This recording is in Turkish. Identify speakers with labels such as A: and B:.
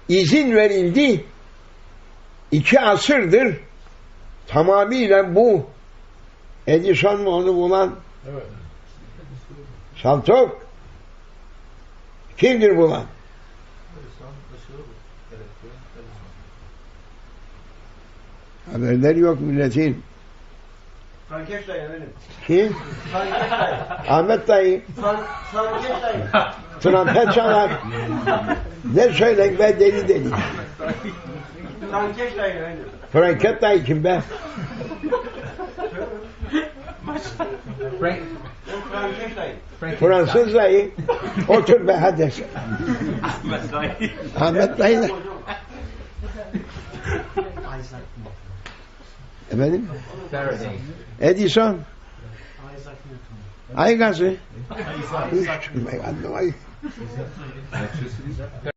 A: izin verildi. 2 asırdır tamamıyla bu Edison mu onu bulan?
B: Evet.
A: Saltok. Kimdir bulan? Haberleri yok milletin.
C: Frankeş dayı efendim.
A: Kim?
C: Frankeş dayı.
A: Ahmet dayı.
C: Frankeş dayı.
A: Trompet çalar. Ne söylen be deli deli.
C: Frankeş dayı efendim.
A: Franket dayı kim be?
C: Frankeş dayı.
A: Fransız dayı. Otur be hadi.
D: Ahmet dayı.
A: Ahmet dayı da. Efendim? Edison. Ay gazı. Ay.